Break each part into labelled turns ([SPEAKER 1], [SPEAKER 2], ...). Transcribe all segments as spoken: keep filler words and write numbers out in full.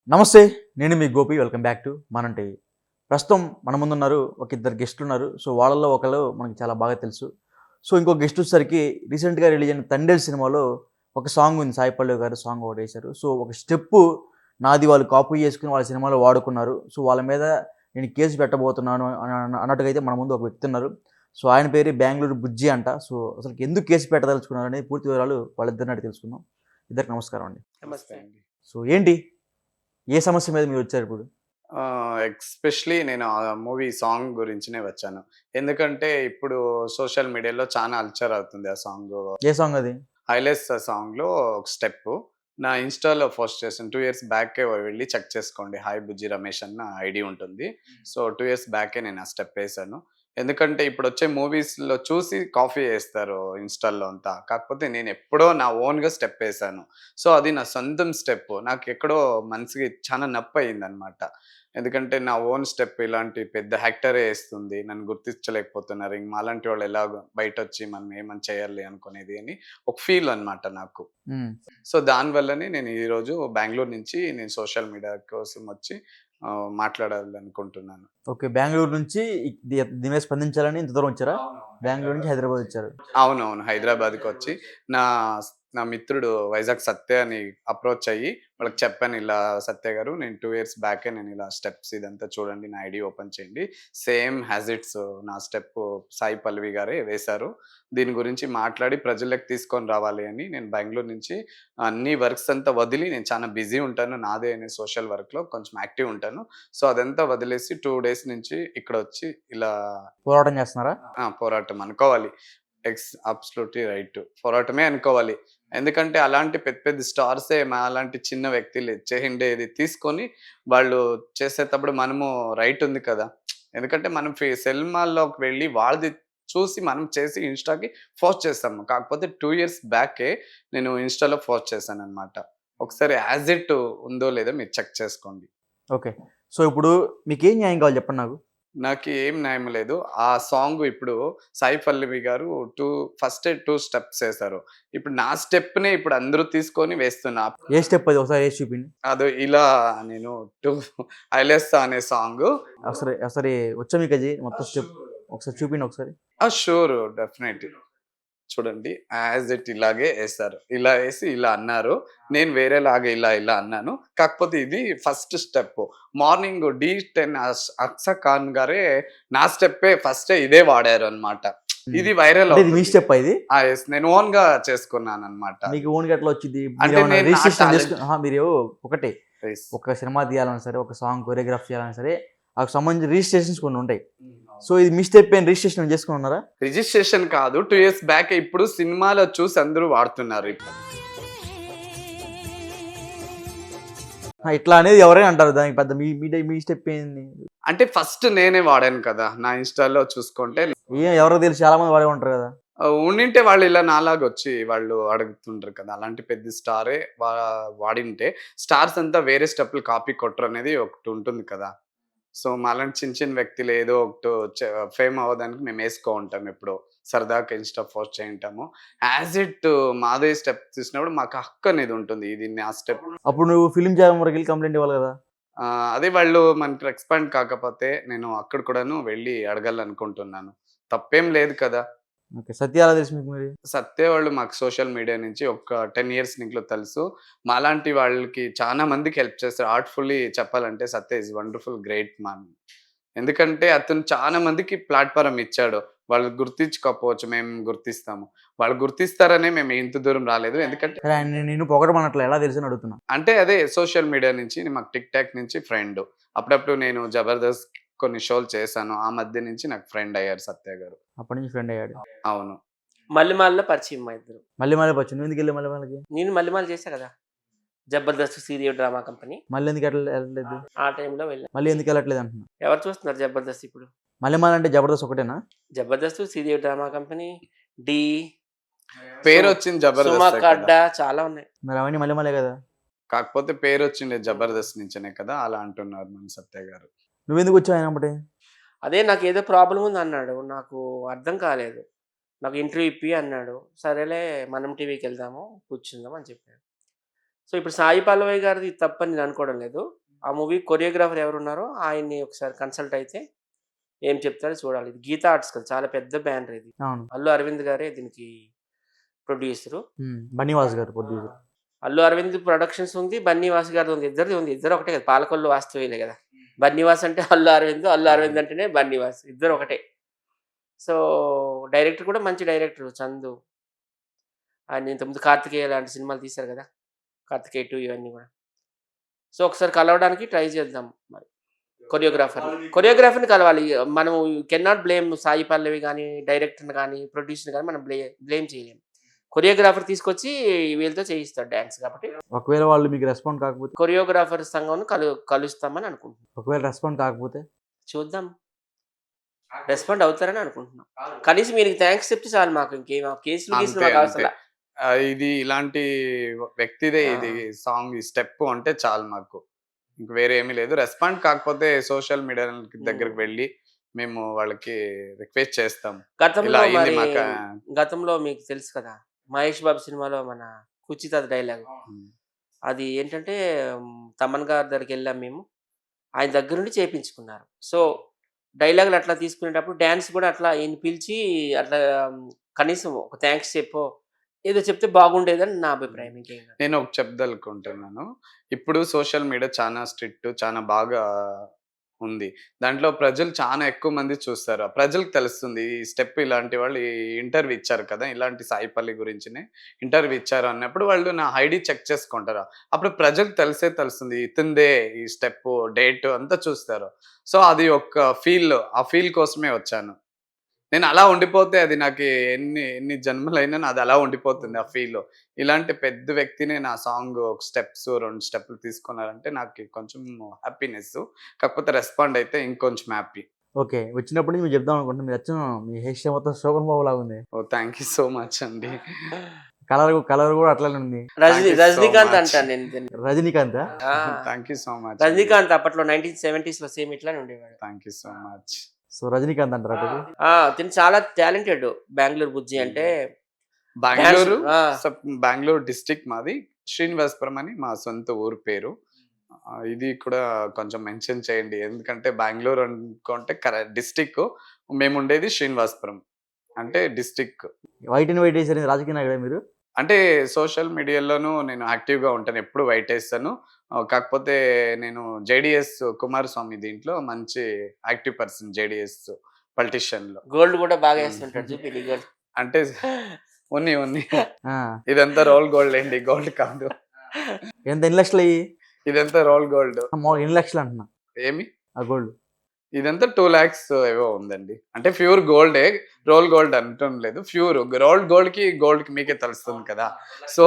[SPEAKER 1] నమస్తే. నేను మీ Gopi. Welcome back to Manam TV. ప్రస్తుతం మన ముందున్నారు ఒక ఇద్దరు గెస్ట్లున్నారు. సో, వాళ్ళలో ఒకళ్ళు మనకి చాలా బాగా తెలుసు. సో, ఇంకో గెస్ట్ వచ్చేసరికి రీసెంట్‌గా రిలీజ్ అయిన 'తండేల్' సినిమాలో ఒక సాంగ్ ఉంది. సాయి పల్లవి గారు సాంగ్ ఒకటేశారు. సో, ఒక స్టెప్పు నాది వాళ్ళు కాపీ చేసుకొని వాళ్ళ సినిమాలో వాడుకున్నారు. సో, వాళ్ళ మీద నేను కేసు పెట్టబోతున్నాను అని అన్న అన్నట్టుగా అయితే మన ముందు ఒక వ్యక్తి ఉన్నారు. సో, ఆయన పేరు బెంగుళూరు బుజ్జి అంట. సో, అసలు ఎందుకు కేసు పెట్టదలుచుకున్నారనేది పూర్తి వివరాలు వాళ్ళిద్దరిని అడిగి తెలుసుకుందాం. ఇద్దరికి నమస్కారం అండి.
[SPEAKER 2] నమస్తే అండి.
[SPEAKER 1] సో, ఏంటి? ఏ సమస్య మీద మీరొచ్చారిప్పుడు?
[SPEAKER 2] ఆహ్, ఎస్పెషల్లీ నేను ఆ మూవీ సాంగ్ గురించినే వచ్చాను. ఎందుకంటే ఇప్పుడు సోషల్ మీడియాలో చానా అల్చర్ అవుతుంది ఆ సాంగు.
[SPEAKER 1] ఏ సాంగ్ అది?
[SPEAKER 2] 'హైలెస్' సాంగ్‌లో ఒక స్టెప్పు నా ఇన్‌స్టాలో పోస్ట్ చేశాను. రెండు ఇయర్స్ బ్యాకే వెళ్లి చెక్ చేసుకోండి. హాయ్ బుజ్జి రమేష్ అని నా ఐడీ ఉంటుంది. సో, రెండు ఇయర్స్ బ్యాకే నేను ఆ స్టెప్ ఏసాను. ఎందుకంటే ఇప్పుడొచ్చే మూవీస్‌లో చూసి కాపీ చేస్తారు ఇన్‌స్టాలో అంతా. కాకపోతే నేనెప్పుడో నా ఓన్‌గా స్టెప్ ఏసాను. సో, అది నా సొంతం స్టెప్పు. నాకెక్కడో మనసుకి చాలా నొప్పయిందనమాట. ఎందుకంటే నా ఓన్ స్టెప్ ఇలాంటి పెద్ద యాక్టరే ఏస్తుంది. నన్ను గుర్తించలేకపోతున్నారు. ఇంక మాలాంటి వాళ్ళు ఎలాగో బయటొచ్చి మనం ఏమన్నా చేయాలి అనుకునేది అని ఒక ఫీల్ అనమాట నాకు.
[SPEAKER 1] హ్మ్.
[SPEAKER 2] సో, దానివల్లనే నేను ఈరోజు బెంగుళూరు నుంచి నేను సోషల్ మీడియా కోసం వచ్చి ఆహ్, మాట్లాడాలనుకుంటున్నాను.
[SPEAKER 1] ఓకే. బెంగుళూరు నుంచి ఇ ది దీని మీద స్పందించాలని ఇంత దూరం వచ్చారా? బెంగుళూరు నుంచి హైదరాబాద్ వచ్చారు.
[SPEAKER 2] అవునవును. హైదరాబాద్‌కొచ్చి నా స్ నా మిత్రుడు వైజాగ్ సత్య అని అప్రోచ్ అయ్యి వాళ్ళకి చెప్పాను. ఇలా సత్య గారు నేను రెండు ఇయర్స్ బ్యాకే నేను ఇలా స్టెప్స్ ఇదంతా చూడండి నా ఐడీ ఓపెన్ చేయండి. సేమ్ యాస్ ఇట్స్ నా స్టెప్ సాయి పల్లవి గారే వేశారు. దీని గురించి మాట్లాడి ప్రజల్లోకి తీసుకొని రావాలి అని నేను బెంగుళూరు నుంచి అన్ని వర్క్స్ అంతా వదిలి నేను చాలా బిజీ ఉంటాను. నాదే అనే సోషల్ వర్క్‌లో కొంచెం యాక్టివ్ ఉంటాను. సో, అదంతా వదిలేసి రెండు డేస్ నుంచి ఇక్కడొచ్చి ఇలా
[SPEAKER 1] పోరాటం చేస్తున్నారా?
[SPEAKER 2] ఆ! పోరాటం అనుకోవాలి. Ex absolutely right. పోరాటమే అనుకోవాలి. ఎందుకంటే అలాంటి పెద్ద పెద్ద స్టార్సే మాలాంటి చిన్న వ్యక్తులు చేసిండేది తీసుకొని వాళ్ళు చేసేటప్పుడు మనము రైట్ ఉంది కదా! ఎందుకంటే మనం ఫి సినిమాల్లోకి వెళ్ళి వాళ్ళది చూసి మనం చేసి ఇన్‌స్టాకి పోస్ట్ చేస్తాము. కాకపోతే రెండు ఇయర్స్ బ్యాకే నేను ఇన్‌స్టాలో పోస్ట్ చేశాననమాట. ఒకసారి యాజ్ ఇట్ ఉందో లేదో మీరు చెక్ చేసుకోండి.
[SPEAKER 1] ఓకే. సో, ఇప్పుడు మీకేం న్యాయం కావాలి చెప్పండి నాకు?
[SPEAKER 2] నాకు ఏం న్యాయం లేదు. ఆ సాంగ్ ఇప్పుడు సాయి పల్లవి గారు రెండు ఫస్టే రెండు స్టెప్స్ ఏసారు. ఇప్పుడు నా స్టెప్‌నే ఇప్పుడు అందరూ తీసుకొని వేస్తున్నా.
[SPEAKER 1] ఏ స్టెప్ అది ఒకసారి ఏసి చూపిండి.
[SPEAKER 2] అదో ఇలా నేను రెండు ఐలెస్సా అనే సాంగు.
[SPEAKER 1] ఒకసారి ఒకసారి వచ్చా మీకది మొత్తం స్టెప్? ఒకసారి చూపిండి ఒకసారి.
[SPEAKER 2] ఆ! Sure definite. చూడండి యాజ్ ఇట్ ఇలాగే ఏసారు. ఇలా ఏసి ఇలా అన్నారు. నేను వేరేలాగా ఇలా ఇలా అన్నాను. కాకపోతే ఇది ఫస్ట్ స్టెప్. మార్నింగ్ డి టెన్ అస్ అక్సా ఖాన్ గారే నా స్టెప్పే ఫస్టే ఇదే వాడారనమాట.
[SPEAKER 1] హ్మ్.
[SPEAKER 2] ఇది వైరల్
[SPEAKER 1] అంటే ఇది మీ
[SPEAKER 2] అవుతుంది.
[SPEAKER 1] స్టెప్పా ఇది?
[SPEAKER 2] ఆ! యెస్. నేను ఓన్‌గా చేసుకున్నాననమాట.
[SPEAKER 1] మీకు ఓన్‌గా ఎట్లా వచ్చిద్ది?
[SPEAKER 2] అంటే
[SPEAKER 1] మీరేమన్నా
[SPEAKER 2] నేను నా
[SPEAKER 1] రిజిస్ట్రేషన్
[SPEAKER 2] టాలెంట్
[SPEAKER 1] చేసుకొని అహా! మీరు ఒకటే
[SPEAKER 2] యెస్.
[SPEAKER 1] ఒక సినిమా తీయాలన్నా సరే, ఒక సాంగ్ కొరియోగ్రాఫ్ చేయాలన్నా సరే, ఆకు సంబంధించిన రిజిస్ట్రేషన్స్ కొన్ని ఉంటాయి. సో, ఇది మీ స్టెప్పే అని రిజిస్ట్రేషన్ చేసుకొని ఉన్నారా?
[SPEAKER 2] రిజిస్ట్రేషన్ కాదు. రెండు ఇయర్స్ బ్యాకే ఇప్పుడు సినిమాలో చూసి అందరూ వాడుతున్నారు ఇప్పుడు.
[SPEAKER 1] ఆ! ఇట్లా అనేది ఎవరైనా అంటారు. దానికి పెద్ద మీ మీ డ మీ స్టెప్ ఏంది?
[SPEAKER 2] అంటే ఫస్ట్ నేనే వాడాను కదా! నా ఇన్‌స్టాలో చూసుకుంటే
[SPEAKER 1] ఏం ఎవరికి తెలుసు చాలా మంది వాడే ఉంటారు కదా!
[SPEAKER 2] ఆహ్, ఉండింటే వాళ్ళు ఇలా నాలాగొచ్చి వాళ్ళు అడుగుతుంటారు కదా! అలాంటి పెద్ద స్టారే వా వాడింటే స్టార్స్ అంతా వేరే స్టెప్పులు కాపీ కొట్టరనేది ఒకటుంటుంది కదా! సో, మాలాంటి చిన్న చిన్న వ్యక్తులు ఏదో ఒకటి చ ఫేమ్ అవ్వడానికి మేము ఏసుకో ఉంటాం ఎప్పుడో. సరదాగా ఇన్‌స్టా పోస్ట్ చేయింటాము. యాజ్ ఇట్ మాదే స్టెప్ తీసినప్పుడు మాకు హక్కు అనేది ఉంటుంది. ఇది నా స్టెప్.
[SPEAKER 1] అప్పుడు నువ్వు ఫిల్మ్ ఛాంబర్ వరకెళ్ళి కంప్లెయింట్ ఇవ్వాలి కదా!
[SPEAKER 2] ఆహ్, అదే వాళ్ళు మనకి రెస్పాండ్ కాకపోతే నేను అక్కడ కూడాను వెళ్లి అడగాలనుకుంటున్నాను. తప్పేం లేదు కదా!
[SPEAKER 1] ఓకే. సత్య ఎలా తెలుసు మీకు మరి?
[SPEAKER 2] సత్య వాళ్ళు మాకు సోషల్ మీడియా నుంచి ఒక పది ఇయర్స్ నుంచిలో తెలుసు. మాలాంటి వాళ్ళకి చాలా మందికి హెల్ప్ చేస్తారు. ఆర్ట్‌ఫుల్లీ చెప్పాలంటే Satya is wonderful great man. ఎందుకంటే అతను చాలా మందికి ప్లాట్‌ఫార్మ్ ఇచ్చాడు. వాళ్ళు గుర్తించకపోవచ్చు. మేము గుర్తిస్తాము. వాళ్ళు గుర్తిస్తారనే మేము ఇంత దూరం రాలేదు. ఎందుకంటే
[SPEAKER 1] సరే ఆయన నిన్ను పొగడమనట్లే ఎలా తెలుసని అడుగుతున్నా?
[SPEAKER 2] అంటే అదే సోషల్ మీడియా నుంచి మాకు టిక్ టాక్ నుంచి ఫ్రెండ్. అప్పుడప్పుడు నేను 'జబర్దస్త్' కొన్ని షోలు చేశాను. ఆ మధ్య నుంచి నాకు ఫ్రెండ్ అయ్యారు సత్య గారు.
[SPEAKER 1] అప్పటి నుంచి ఫ్రెండ్ అయ్యాడు.
[SPEAKER 2] అవును.
[SPEAKER 3] మల్లెమాలలో పరిచయం మా ఇద్దరు.
[SPEAKER 1] మళ్ళీ మళ్ళీ వచ్చి నువ్వెందుకెళ్ళావు మళ్ళీ వాళ్ళకి?
[SPEAKER 3] నేను మల్లెమాల చేశా కదా! 'Jabardasth' serial drama company.
[SPEAKER 1] మళ్ళీ ఎందుకు ఎట్ల ఎళ్ళలేదు?
[SPEAKER 3] ఆ టైంలో వెళ్ళా.
[SPEAKER 1] మళ్ళీ ఎందుకు ఎళ్ళట్లేదు అంటున్నా?
[SPEAKER 3] ఎవరు చూస్తున్నారు 'జబర్దస్త్' ఇప్పుడు?
[SPEAKER 1] మల్లెమాల అంటే జబర్దస్త్ ఒకటేనా?
[SPEAKER 3] 'జబర్దస్త్' సీరియల్ డ్రామా కంపెనీ, 'ఢీ',
[SPEAKER 2] పేరొచ్చింది 'జబర్దస్తే'
[SPEAKER 3] 'సుమ
[SPEAKER 2] కదా!
[SPEAKER 3] కడ్డా' చాలా ఉన్నాయి.
[SPEAKER 1] మరి అవన్నీ మల్లెమాలే కదా!
[SPEAKER 2] కాకపోతే పేరొచ్చింది 'జబర్దస్త్' నుంచనే కదా! అలా అంటున్నారు మన సత్య గారు.
[SPEAKER 1] నువ్వెందుకు వచ్చావు ఆయన ఎమ్మటే?
[SPEAKER 3] అదే నాకేదో ప్రాబ్లమ్ ఉందన్నాడు. నాకు అర్థం కాలేదు. నాకు ఇంటర్వ్యూ ఇప్పి అన్నాడు. సరేలే మనం టీవీకెళ్దాము, కూర్చుందాం అని చెప్పాడు. సో ఇప్పుడు సాయి పల్లవి గారిది తప్పని నేను అనుకోవడం లేదు. ఆ మూవీ కొరియోగ్రాఫర్ ఎవరున్నారో ఆయన్ని ఒకసారి కన్సల్ట్ అయితే ఏం చెప్తారో చూడాలి. ఇది గీతా ఆర్ట్స్ కదా! చాలా పెద్ద బ్యానర్ ఇది.
[SPEAKER 1] అవును.
[SPEAKER 3] అల్లు అరవింద్ గారే దీనికి ప్రొడ్యూసరు.
[SPEAKER 1] హ్మ్. బన్నీవాస్ గారు ప్రొడ్యూసర్.
[SPEAKER 3] అల్లు అరవింద్ ప్రొడక్షన్స్ ఉంది. బన్నీవాస్ గారిది ఉంది. ఇద్దరిది ఉంది. ఇద్దరు ఒకటే కదా! పాలకొల్లు వాస్తవేలే కదా! బన్నీవాస్ అంటే అల్లు అరవింద్, అల్లు అరవింద్ అంటేనే బన్నీవాస్. ఇద్దరు ఒకటే. సో, డైరెక్టర్ కూడా మంచి డైరెక్టర్ చందు. ఆయన ఇంతకుముందు 'కార్తికేయ' లాంటి సినిమాలు తీశారు కదా! 'కార్తికేయ టూ' ఇవన్నీ కూడా. సో, ఒకసారి కలవడానికి ట్రై చేద్దాం మరి. కొరియోగ్రాఫర్‌ని. కొరియోగ్రాఫర్‌ని కలవాలి. మనం can not blame Sai Pallavi గాని, డైరెక్టర్‌ని గాని, ప్రొడ్యూసర్‌ని గాని మనం బ్లే బ్లేమ్ చేయలేం. కొరియోగ్రాఫర్ తీసుకొచ్చి వీళ్ళతో చేయిస్తాడు డాన్స్ కాబట్టి.
[SPEAKER 1] ఒకవేళ వాళ్ళు మీకు రెస్పాండ్ కాకపోతే?
[SPEAKER 3] కొరియోగ్రాఫర్ సంఘంను కలు కలుస్తామని అనుకుంటున్నాం.
[SPEAKER 1] ఒకవేళ రెస్పాండ్ కాకపోతే?
[SPEAKER 3] చూద్దాం. రెస్పాండ్ అవుతారని అనుకుంటున్నాం. కనీసం మీరికి థాంక్స్ చెప్తే చాలు మాకు. ఇంకేం ఆ కేసులు గీసులు
[SPEAKER 2] అంతే
[SPEAKER 3] మాకు
[SPEAKER 2] అంతే.
[SPEAKER 3] అవసరంలా.
[SPEAKER 2] ఆహ్, ఇది ఇలాంటి వ్యక్తిదే
[SPEAKER 3] ఆ!
[SPEAKER 2] ఇది సాంగ్ ఈ స్టెప్ అంటే చాలు మాకు. ఇంక వేరే ఏమీ లేదు. రెస్పాండ్ కాకపోతే సోషల్ మీడియా దగ్గరికి
[SPEAKER 3] హ్మ్.
[SPEAKER 2] వెళ్ళి మేము వాళ్ళకి రిక్వెస్ట్ చేస్తాం. ఇలా
[SPEAKER 3] గతంలో
[SPEAKER 2] అయింది
[SPEAKER 3] మరి
[SPEAKER 2] మాకా
[SPEAKER 3] గతంలో మీకు తెలుసు కదా! 'మహేష్ బాబు' సినిమాలో మన 'కుచిత' డైలాగ్.
[SPEAKER 2] హ్మ్.
[SPEAKER 3] అది ఏంటంటే హ్మ్, తమన్ గారి దగ్గరికెళ్ళాం మేము. ఆయన దగ్గరుండి చేపించుకున్నారు. సో, డైలాగులు అట్లా తీసుకునేటప్పుడు డాన్స్ కూడా అట్లా ఈయన్ని పిలిచి అట్లా మ్, కనీసం ఒక థాంక్స్ చెప్పో, ఏదో చెప్తే బాగుండేదని నా అభిప్రాయం. ఇంకేం కాదు.
[SPEAKER 2] నేను ఒకటి చెప్పదలుచుకుంటున్నాను. ఇప్పుడు సోషల్ మీడియా చానా స్ట్రిక్ట్ చానా బాగా ఉంది. దాంట్లో ప్రజలు చానా ఎక్కువ మంది చూస్తారు. ఆ ప్రజలకు తెలుస్తుంది. ఈ స్టెప్ ఇలాంటి వాళ్ళు ఈ ఇంటర్వ్యూ ఇచ్చారు కదా! ఇలాంటి సాయి పల్లి గురించినే ఇంటర్వ్యూ ఇచ్చారు అన్నప్పుడు వాళ్ళు నా ఐడీ చెక్ చేసుకుంటారు. అప్పుడు ప్రజలకు తెలిసే తెలుస్తుంది. ఇతనిదే ఈ స్టెప్పు, డేట్ అంతా చూస్తారు. సో, అది ఒక ఫీల్ ఆ ఫీల్ కోసమే వచ్చాను. నేను అలా ఉండిపోతే అది నాకి ఎన్ని ఎన్ని జన్మలైనా నాది అలా ఉండిపోతుంది ఆ ఫీల్. ఇలాంటి పెద్ద వ్యక్తిని నా సాంగ్ ఒక స్టెప్స్ రెండు స్టెప్‌లు తీసుకున్నారంటే నాకి కొంచెం హ్యాపీనెస్సు. కాకపోతే రెస్పాండ్ అయితే ఇంకొంచెం హ్యాపీ.
[SPEAKER 1] ఓకే. వచ్చినప్పటి నుంచి మీరు చెప్దాం అనుకుంటున్నా. మీరు అచ్చం మీ హెయిర్ స్టైల్ మొత్తం శోభన్ బాబు లాగుంది.
[SPEAKER 2] Oh! Thank you so much అండి.
[SPEAKER 1] కలర్ కలర్ కూడా అట్లనే ఉంది.
[SPEAKER 3] Rajini
[SPEAKER 2] thank you so
[SPEAKER 3] Rajinikanth
[SPEAKER 2] much.
[SPEAKER 3] అంటాను నేను దీన్ని.
[SPEAKER 1] రజనీకాంతా?
[SPEAKER 3] ఆ!
[SPEAKER 2] థాంక్ యూ సో మచ్ అండి.
[SPEAKER 3] రజనీకాంత్ అప్పట్లో నైన్టీన్ సెవెంటీస్‌లో సేమ్ ఇట్లానే ఉండేవాడు.
[SPEAKER 2] Thank you so much.
[SPEAKER 1] So, Rajinikanth అంటారా అతడు?
[SPEAKER 3] ఆ! తిను చాలా టాలెంటెడ్. బెంగుళూరు బుజ్జి అంటే డాన్స్.
[SPEAKER 2] బెంగుళూరు
[SPEAKER 3] ఆ!
[SPEAKER 2] సబ్ బెంగుళూరు డిస్ట్రిక్ట్ మాది. శ్రీనివాసపురం అని మా సొంత ఊరు పేరు. ఆహ్, ఇది కూడా కొంచెం మెన్షన్ చేయండి. ఎందుకంటే బెంగుళూరు అనుకుంటే కర డిస్ట్రిక్ట్. మేముండేది శ్రీనివాసపురం. అంటే డిస్ట్రిక్ట్.
[SPEAKER 1] వైట్ అండ్ వైట్ ఏసారు రాజకీయ నాయకుడా మీరు?
[SPEAKER 2] అంటే సోషల్ మీడియాలోనూ నేను యాక్టివ్‌గా ఉంటాను. ఎప్పుడు వైటేస్తాను. ఆహ్, కాకపోతే నేను జేడీఎస్ కుమారస్వామి దీంట్లో మంచి యాక్టివ్ పర్సన్ జేడీఎస్ పొలిటీషియన్‌లో.
[SPEAKER 3] గోల్డ్ కూడా బాగా
[SPEAKER 2] హ్మ్.
[SPEAKER 3] ఏస్తుంటాడు చూపి నీ గోల్డ్.
[SPEAKER 2] అంటే ఉన్నాయి ఉన్నాయి.
[SPEAKER 1] ఆ!
[SPEAKER 2] ఇదంతా రోల్ గోల్డ్ అండి. గోల్డ్ కాదు.
[SPEAKER 1] ఎంత ఎన్ని లక్షలయ్యి?
[SPEAKER 2] ఇదంతా రోల్ గోల్డ్.
[SPEAKER 1] మాములుగా ఎన్ని లక్షలు అంటున్నా
[SPEAKER 2] ఏమి?
[SPEAKER 1] ఆ గోల్డ్?
[SPEAKER 2] ఇదంతా రెండు లక్షలు ఏవో ఉందండి. అంటే ప్యూర్ గోల్డే. రోల్ గోల్డ్ అనటం లేదు. ప్యూర్ రోల్డ్ గోల్డ్‌కి, గోల్డ్‌కి మీకే తెలుస్తుంది కదా! సో,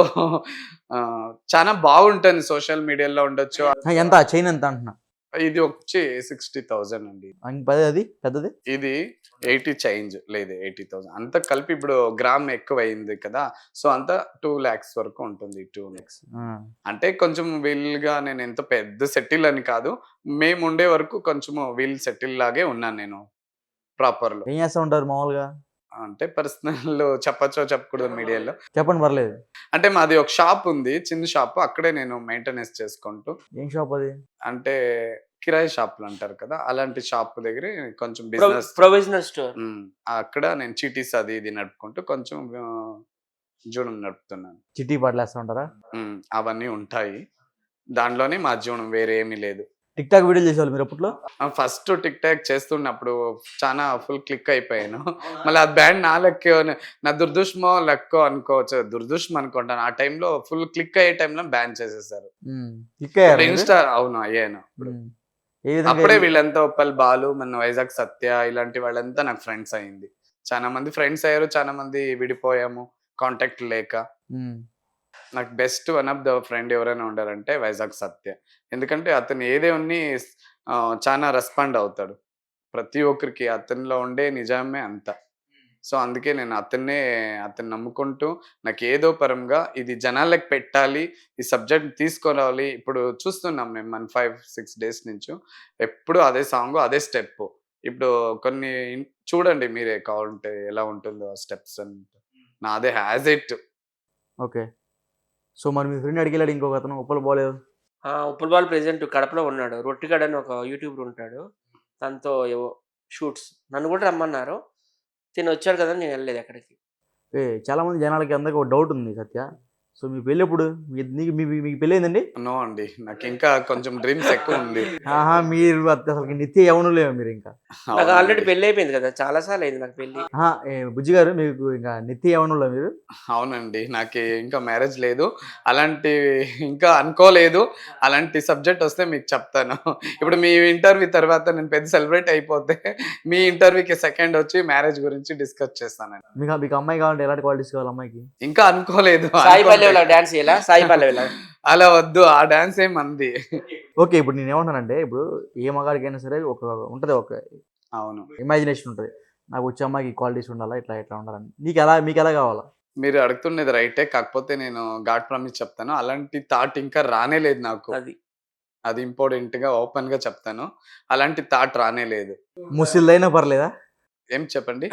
[SPEAKER 2] ఆహ్, చానా బాగుంటుంది సోషల్ మీడియాలో ఉండొచ్చు.
[SPEAKER 1] ఆ! ఎంత ఆ చైన్ ఎంత అంటున్నా?
[SPEAKER 2] ఇది వచ్చి అరవై వేలు అండి.
[SPEAKER 1] ఇంక పది అది పెద్దది?
[SPEAKER 2] ఇది ఎనభై చేంజ్ లేదు ఎనభై వేలు అంతా కలిపి ఇప్పుడు గ్రామ్ ఎక్కువయింది కదా! సో, అంతా రెండు లక్షలు వరకు ఉంటుంది. రెండు లక్షలు
[SPEAKER 1] ఆ!
[SPEAKER 2] అంటే కొంచెం వీల్‌గా నేను ఎంత పెద్ద సెటిల్ అని కాదు. మేముండే వరకు కొంచెము వీల్ సెటిల్ లాగే ఉన్నాను నేను ప్రాపర్‌లో.
[SPEAKER 1] ఏం చేస్తా ఉంటారు మామూలుగా?
[SPEAKER 2] అంటే పర్సనల్ చెప్పచ్చో చెప్పకూడదో మీడియాలో.
[SPEAKER 1] చెప్పండి పర్లేదు.
[SPEAKER 2] అంటే మాది ఒక షాప్ ఉంది. చిన్న షాప్. అక్కడే నేను మెయింటెనెన్స్ చేసుకుంటూ
[SPEAKER 1] ఏం షాప్ అది?
[SPEAKER 2] అంటే కిరాయి షాపులు అంటారు కదా! అలాంటి షాప్ దగ్గరే కొంచెం
[SPEAKER 3] ప్రొ
[SPEAKER 2] బిజినెస్.
[SPEAKER 3] Provisional store.
[SPEAKER 2] హ్మ్. అక్కడ నేను చీటీస్ అది ఇది నడుపుకుంటూ కొంచెం ఆహ్, జీవనం నడుపుతున్నాను.
[SPEAKER 1] చిట్టి పాటలేస్తా ఉంటారా?
[SPEAKER 2] హ్మ్. అవన్నీ ఉంటాయి. దాంట్లోనే మా జీవనం వేరే ఏమీ లేదు.
[SPEAKER 1] టిక్ టాక్ వీడియోలు చేసేవాళ్ళు మీరు అప్పట్లో?
[SPEAKER 2] ఆ! ఫస్ట్ టిక్ టాక్ చేస్తున్నప్పుడు చానా ఫుల్ క్లిక్ అయిపోయాను. మళ్ళీ ఆ బ్యాండ్ నా లక్కో నా దురదృష్టమో, లక్కో అనుకోవచ్చు. దురదృష్టం అనుకుంటాను. ఆ టైంలో ఫుల్ క్లిక్ అయ్యే టైంలో బ్యాన్ చేసేసారు.
[SPEAKER 1] హ్మ్. క్లిక్ అయ్యారా
[SPEAKER 2] ఇప్పుడు
[SPEAKER 1] మీరు?
[SPEAKER 2] ఇన్‌స్టా అవును అయ్యాను. అప్పుడు.
[SPEAKER 1] హ్మ్. ఏ విధంగా
[SPEAKER 2] అప్పుడే
[SPEAKER 1] అయింది?
[SPEAKER 2] వీళ్ళంతా ఉప్పల్ బాలు, మన వైజాగ్ సత్య ఇలాంటి వాళ్ళంతా నాకు ఫ్రెండ్స్ అయింది. చానా మంది ఫ్రెండ్స్ అయ్యారు. చానా మంది విడిపోయాము. కాంటాక్ట్ లేక.
[SPEAKER 1] హ్మ్.
[SPEAKER 2] నాకు best one of the friend ఎవరైనా ఉండారంటే వైజాగ్ సత్య. ఎందుకంటే అతను ఏదేన్ని ఆహ్, చానా రెస్పాండ్ అవుతాడు. ప్రతి ఒక్కరికి అతనిలో ఉండే నిజామే అంత. సో, అందుకే నేను అతన్నే అతన్ని నమ్ముకుంటూ నాకేదో పరంగా ఇది జనాలకి పెట్టాలి. ఈ సబ్జెక్ట్ తీసుకురావాలి. ఇప్పుడు చూస్తున్నాం మేము మన ఐదు, ఆరు డేస్ నుంచు. ఎప్పుడు అదే సాంగు, అదే స్టెప్పు. ఇప్పుడు కొన్ని ఇన్ చూడండి మీరే కావాలంటే ఎలా ఉంటుందో ఆ స్టెప్స్ అంతా. నాదే యాజ్ ఇట్.
[SPEAKER 1] ఓకే. సో మరి మీ ఫ్రెండ్ అడిగేలాడు ఇంకొక అతను ఉప్పలు పోలేదు.
[SPEAKER 3] ఆ! ఉప్పల్ బాల్ ప్రెజెంట్ కడపలో ఉన్నాడు. రొట్టిగాడు అని ఒక యూట్యూబర్ ఉంటాడు. తనతో ఏవో షూట్స్. నన్ను కూడా రమ్మన్నారు. తిను వచ్చాడు కదా! నేను వెళ్ళలేదు ఎక్కడికి.
[SPEAKER 1] ఏ చాలామంది జనాలకి అందరికి ఒక డౌట్ ఉంది సత్య. సో మీ పెళ్ళి ఎప్పుడు? మీ నీకు మీ మీకు పెళ్ళి అయిందండి?
[SPEAKER 2] నో అండి. నాకు ఇంకా కొంచెం డ్రీమ్స్ ఎక్కువ ఉంది.
[SPEAKER 1] ఆహా! మీరు అసలు నిత్య యవ్వనులేమో మీరు ఇంకా.
[SPEAKER 3] నాకు ఆల్రెడీ పెళ్లి అయిపోయింది కదా! చాలా సార్లు అయింది నాకు పెళ్లి.
[SPEAKER 1] ఆహా! ఏ బుజ్జి గారు మీకు ఇంకా నిత్య యవ్వనులా మీరు?
[SPEAKER 2] అవునండి. నాకి ఇంకా మ్యారేజ్ లేదు. అలాంటి ఇంకా అనుకోలేదు. అలాంటి సబ్జెక్ట్ వస్తే మీకు చెప్తాను. ఇప్పుడు మీ ఇంటర్వ్యూ తర్వాత నేను పెద్ద సెలబ్రేట్ అయిపోతే మీ ఇంటర్వ్యూకి సెకండ్ వచ్చి మ్యారేజ్ గురించి డిస్కస్ చేస్తానండి.
[SPEAKER 1] మీకు మీకు అమ్మాయి కావాలంటే ఎలాంటి క్వాలిటీస్ కావాలి అమ్మాయికి?
[SPEAKER 2] ఇంకా అనుకోలేదు.
[SPEAKER 3] సాయి
[SPEAKER 2] అనుకుంటే
[SPEAKER 3] పల్లవిలా డాన్స్ చేయాలా? సాయి పల్లవిలా.
[SPEAKER 2] అలా వద్దు. ఆ డాన్స్ ఏం మంది.
[SPEAKER 1] ఓకే. ఇప్పుడు నేనేమంటానంటే ఇప్పుడు ఏ మగాడికైనా సరే ఒక ఉంటది ఒక
[SPEAKER 2] అవును.
[SPEAKER 1] ఇమాజినేషన్ ఉంటది. నాకు వచ్చే అమ్మాయికి క్వాలిటీస్ ఉండాలా, ఇట్లా ఇట్లా ఉండాలని. నీకెలా మీకెలా కావాలా?
[SPEAKER 2] మీరు అడుగుతున్నది రైటే. కాకపోతే నేను గాడ్ ప్రామిస్ చెప్తాను. అలాంటి థాట్ ఇంకా రానే లేదు నాకు.
[SPEAKER 3] అది.
[SPEAKER 2] అది ఇంపార్టెంట్‌గా ఓపెన్‌గా చెప్తాను. అలాంటి థాట్ రానే లేదు.
[SPEAKER 1] ముసిల్దైనా పర్లేదా?
[SPEAKER 2] ఏం చెప్పండి?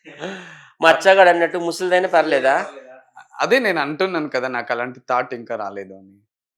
[SPEAKER 3] మచ్చగాడు అన్నట్టు ముసలిదైనా పర్లేదా?
[SPEAKER 2] అదే నేను అంటున్నాను కదా! నాకు అలాంటి థాట్ ఇంకా రాలేదు అని.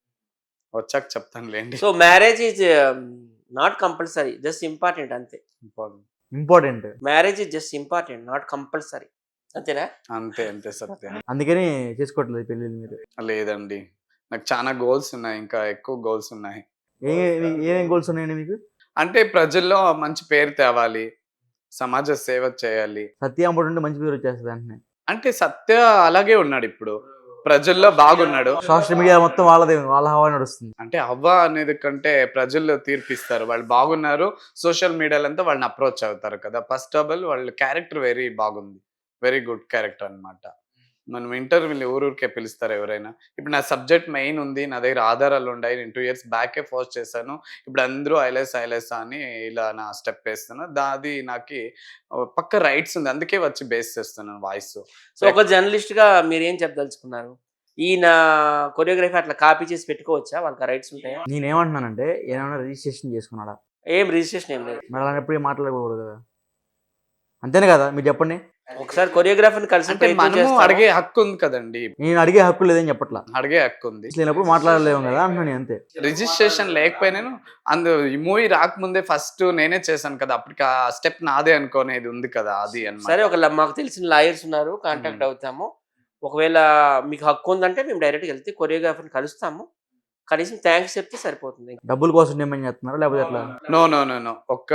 [SPEAKER 2] వచ్చాక చెప్తానులెండి.
[SPEAKER 3] So marriage is not compulsory. Just important అంతే.
[SPEAKER 2] Important.
[SPEAKER 1] Important.
[SPEAKER 3] Marriage is just important. Not compulsory. అంతేనా?
[SPEAKER 2] అంతే. అంతే సత్యం.
[SPEAKER 1] అందుకని చేసుకోవట్లేదు పెళ్ళిళ్ళు మీరు.
[SPEAKER 2] లేదండి. నాకు చానా గోల్స్ ఉన్నాయి. ఇంకా ఎక్కువ గోల్స్ ఉన్నాయి.
[SPEAKER 1] ఏ ఏ- ఏమేం గోల్స్ ఉన్నాయండి మీకు?
[SPEAKER 2] అంటే ప్రజల్లో మంచి పేరు తేవాలి. సమాజ సేవ చేయాలి.
[SPEAKER 1] సత్య అమ్ముడుంటే మంచి పేరు వచ్చేస్తది వెంటనే.
[SPEAKER 2] అంటే సత్య అలాగే ఉన్నాడిప్పుడు. ప్రజల్లో బాగున్నాడు.
[SPEAKER 1] సోషల్ మీడియా మొత్తం వాళ్ళదే వాళ్ళ హవా నడుస్తుంది.
[SPEAKER 2] అంటే అవ్వ అనేది కంటే ప్రజల్లో తీర్పిస్తారు. వాళ్ళు బాగున్నారు. సోషల్ మీడియాలో అంతా వాళ్ళని అప్రోచ్ అవుతారు కదా! ఫస్ట్ ఆఫ్ ఆల్ వాళ్ళ క్యారెక్టర్ వెరీ బాగుంది. వెరీ గుడ్ క్యారెక్టర్ అన్నమాట. మనం ఇంటర్వ్యూలు ఊరూరికే పిలుస్తారు ఎవరైనా. ఇప్పుడు నా సబ్జెక్ట్ మెయిన్ ఉంది. నా దగ్గర ఆధారాలు ఉన్నాయి. నేను రెండు ఇయర్స్ బ్యాకే పోస్ట్ చేశాను. ఇప్పుడు అందరూ ఐలెస్ ఐలెస్ అని ఇలా నా స్టెప్ వేస్తున్నా. దా అది నాకి ఆహ్, పక్కా రైట్స్ ఉంది. అందుకే వచ్చి బేస్ చేస్తున్నాను వాయిస్.
[SPEAKER 3] సో ఒక జర్నలిస్ట్‌గా మీరేం చెప్పదలుచుకున్నారు? ఈయన కొరియోగ్రఫీ అట్లా కాపీ చేసి పెట్టుకోవచ్చా? వాళ్ళకి ఆ రైట్స్ ఉంటాయా?
[SPEAKER 1] నేనేమంటున్నానంటే ఏమైనా రిజిస్ట్రేషన్ చేసుకున్నాడా?
[SPEAKER 3] ఏం రిజిస్ట్రేషన్ ఏం లేదు.
[SPEAKER 1] మరి అలాంటప్పుడు మాట్లాడకూడదు కదా? అంతేనే కదా? మీరు చెప్పండి.
[SPEAKER 3] ఒకసారి కొరియోగ్రాఫర్‌ని కలిసి
[SPEAKER 2] అంటే
[SPEAKER 3] ప్రయత్నం
[SPEAKER 2] మనము
[SPEAKER 3] చేస్తాను.
[SPEAKER 2] అడిగే హక్కు ఉంది కదండీ!
[SPEAKER 1] నేను అడిగే హక్కు లేదని చెప్పట్లా.
[SPEAKER 2] అడిగే హక్కు ఉంది.
[SPEAKER 1] లేనప్పుడు మాట్లాడలేము కదా అంటున్నాను నేను అంతే.
[SPEAKER 2] రిజిస్ట్రేషన్ లేకపోయినాను అందు ఈ మూవీ రాకముందే ఫస్ట్ నేనే చేశాను కదా! అప్పటికి ఆ స్టెప్ నాదే అనుకోనేది ఉంది కదా! అది అన్నమాట.
[SPEAKER 3] సరే ఒక ల మాకు తెలిసిన లాయర్స్ ఉన్నారు. కాంటాక్ట్
[SPEAKER 2] హ్మ్.
[SPEAKER 3] అవుతాము. ఒకవేళ మీకు హక్కు ఉందంటే మేము డైరెక్ట్‌గా వెళ్తే కొరియోగ్రాఫర్‌ని కలుస్తాము. కనీసం థాంక్స్ చెప్తే సరిపోతుంది.
[SPEAKER 1] డబ్బుల కోసం డిమాండ్ చేస్తున్నారా లేకపోతే ఎట్లా?
[SPEAKER 2] No, no, no, no. ఒక్క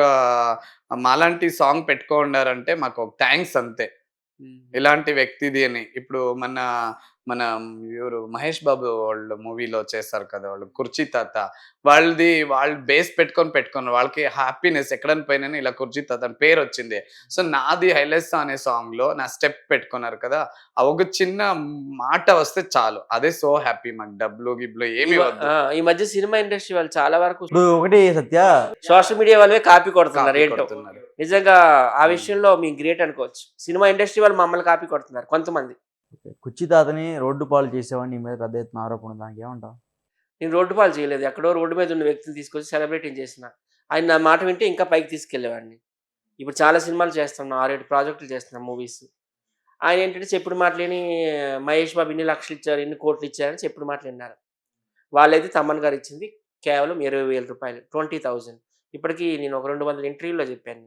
[SPEAKER 2] మాలాంటి సాంగ్ పెట్టుకోండారంటే మాకు ఒక థాంక్స్ అంతే.
[SPEAKER 3] హ్మ్.
[SPEAKER 2] ఇలాంటి వ్యక్తిది అని. ఇప్పుడు మన మన ఎవరు 'మహేష్ బాబు' వాళ్ళు మూవీలో చేస్తారు కదా! వాళ్ళు 'కుర్చీ తాత' వాళ్ళది వాళ్ళు బేస్ పెట్టుకొని పెట్టుకున్నారు. వాళ్ళకి హ్యాపీనెస్ ఎక్కడైనా పోయినాను ఇలా 'కుర్చీ తాత' అని పేరొచ్చింది. సో, నాది 'హైలెస్సా' అనే సాంగ్‌లో నా స్టెప్ పెట్టుకున్నారు కదా! ఆ ఒక చిన్న మాట వస్తే చాలు. అదే సో హ్యాపీ మాకు డబ్బులు, గిబ్బులు
[SPEAKER 3] ఈ
[SPEAKER 2] ఏమి
[SPEAKER 3] మ
[SPEAKER 2] వద్దు.
[SPEAKER 3] ఆ! ఈ మధ్య సినిమా ఇండస్ట్రీ వాళ్ళు చాలా వరకు
[SPEAKER 1] ఇప్పుడు ఒకటి సత్య,
[SPEAKER 3] సోషల్ మీడియా వాళ్ళవే కాపీ కొడుతున్నారు
[SPEAKER 2] కాపీ
[SPEAKER 3] ఏంటో.
[SPEAKER 2] కొడుతున్నారు.
[SPEAKER 3] నిజంగా ఆ
[SPEAKER 2] హ్మ్.
[SPEAKER 3] విషయంలో మేము గ్రేట్ అనుకోవచ్చు. సినిమా ఇండస్ట్రీ వాళ్ళు మమ్మల్ని కాపీ కొడుతున్నారు కొంతమంది.
[SPEAKER 1] కుర్చీ తాతని రోడ్డు పాలు చేసేవాడిని నీ మీద పెద్ద ఎత్తున ఆరోపణ ఉంది. దానికి ఏమంటావు?
[SPEAKER 3] నేను రోడ్డు పాలు చేయలేదు. ఎక్కడో రోడ్డు మీద ఉన్న వ్యక్తిని తీసుకొచ్చి సెలబ్రిటీని చేసిన. ఆయన నా మాట వింటే ఇంకా పైకి తీసుకెళ్ళేవాడిని. ఇప్పుడు చాలా సినిమాలు చేస్తున్నాం. ఆరు, ఏడు ప్రాజెక్టులు చేస్తున్నాం మూవీస్. ఆయన ఏంటంటే చెప్పుడు మాటలిని మహేష్ బాబు ఇన్ని లక్షలు ఇచ్చారు, ఇన్ని కోట్లు ఇచ్చారని చెప్పుడు మాటలు విన్నారు. వాళ్ళైతే తమన్ గారు ఇచ్చింది కేవలం ఇరవై వేల రూపాయలు. ఇరవై వేలు ఇప్పటికి నేను ఒక రెండు వందల ఇంటర్వ్యూలో చెప్పాను.